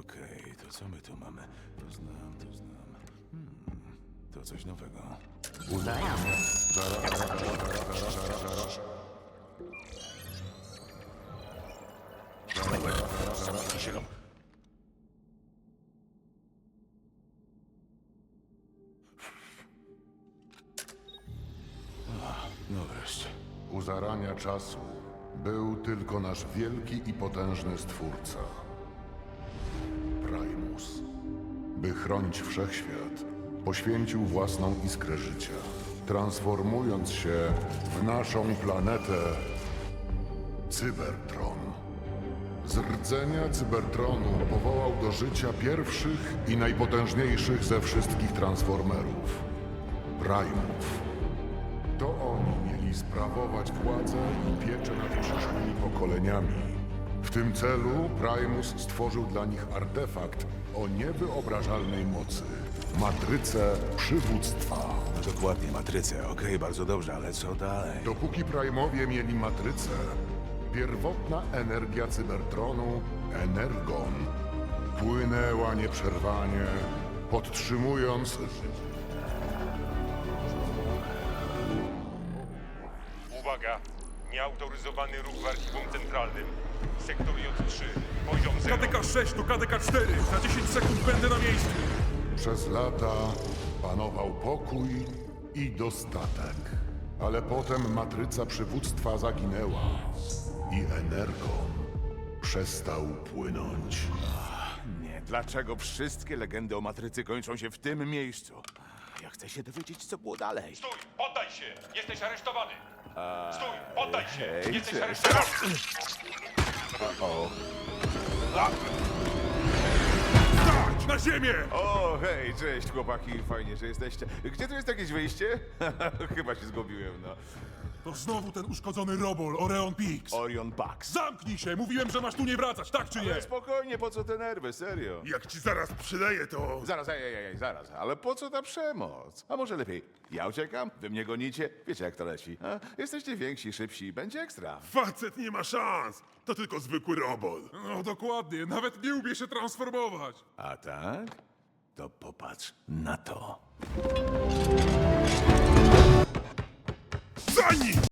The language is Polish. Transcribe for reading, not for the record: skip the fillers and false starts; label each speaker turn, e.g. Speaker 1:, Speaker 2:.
Speaker 1: Okej, to co my tu mamy? To znam. To coś nowego. No wreszcie.
Speaker 2: U zarania czasu był tylko nasz wielki i potężny Stwórca. Primus. By chronić wszechświat, poświęcił własną iskrę życia, transformując się w naszą planetę Cybertron. Z rdzenia Cybertronu powołał do życia pierwszych i najpotężniejszych ze wszystkich transformerów Primów. To oni mieli sprawować władzę i pieczę nad przyszłymi pokoleniami. W tym celu Primus stworzył dla nich artefakt o niewyobrażalnej mocy. Matrycę przywództwa.
Speaker 1: No dokładnie, matrycę. Okej, bardzo dobrze, ale co dalej?
Speaker 2: Dopóki Primowie mieli matrycę, pierwotna energia Cybertronu, Energon, płynęła nieprzerwanie, podtrzymując
Speaker 3: Uwaga! Nieautoryzowany ruch w archiwum centralnym. Sektor J3, poziom 0.
Speaker 4: KDK 6 to KDK 4. Za 10 sekund będę na miejscu.
Speaker 2: Przez lata panował pokój i dostatek. Ale potem matryca przywództwa zaginęła i Energon przestał płynąć.
Speaker 1: Nie, dlaczego wszystkie legendy o matrycy kończą się w tym miejscu? Ja chcę się dowiedzieć, co było dalej.
Speaker 3: Stój! Poddaj się! Jesteś aresztowany! Stój! Poddaj się!
Speaker 1: hej,
Speaker 3: Jesteś
Speaker 1: cześć.
Speaker 3: aresztowany!
Speaker 4: Stać! Na ziemię!
Speaker 5: O, hej, cześć chłopaki, fajnie, że jesteście. Gdzie tu jest jakieś wyjście? Chyba się zgubiłem, no.
Speaker 4: To znowu ten uszkodzony robol, Orion Pix.
Speaker 5: Orion Pax.
Speaker 4: Zamknij się! Mówiłem, że masz tu nie wracać, tak czy nie?
Speaker 5: Ale spokojnie, po co te nerwy, serio?
Speaker 4: Jak ci zaraz przyleję, to...
Speaker 5: Zaraz, zaraz, ale po co ta przemoc? A może lepiej, ja uciekam, wy mnie gonicie, wiecie jak to leci, a? Jesteście więksi, szybsi, będzie ekstra.
Speaker 4: Facet nie ma szans! To tylko zwykły robol. No dokładnie, nawet nie umie się transformować.
Speaker 1: A tak? To popatrz na to.
Speaker 4: Za nim!